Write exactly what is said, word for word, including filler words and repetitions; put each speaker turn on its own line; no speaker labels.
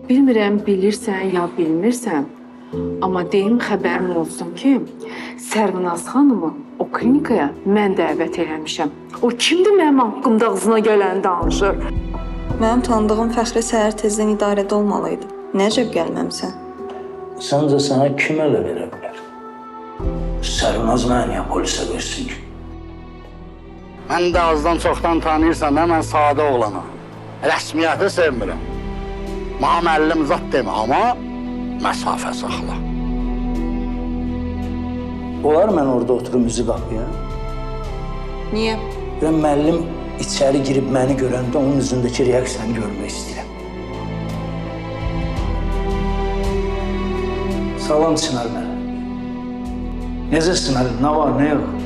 Bilmirəm, bilirsən ya bilmirsən, amma deyim xəbərin olsun ki, Sərvinaz xanımı o klinikaya mən dəvət eləmişəm. O kimdir mənim haqqımda ağzına gələni danışır?
Mənim tanıdığım Fəxri səhər tezdən idarədə olmalıydı. Nəcəb gəlməmsən?
Səncə sənə kim ələ verə bilər? Sərvinaz mənə niyə polisə versin ki?
Mən də azdan çoxdan tanıyırsan da, mən sadə oğlanam. Rəsmiyyəti sevmirəm. Mənə müəllim zat demə, amma məsafə saxla.
Olar mən orada oturum üzü qapıya?
Niyə?
Və müəllim içəri girib məni görəndə onun üzündəki reaksiyanı görmək istəyirəm. Salam Çınar mənə. Necəsin Ali? Nə var, nə yox?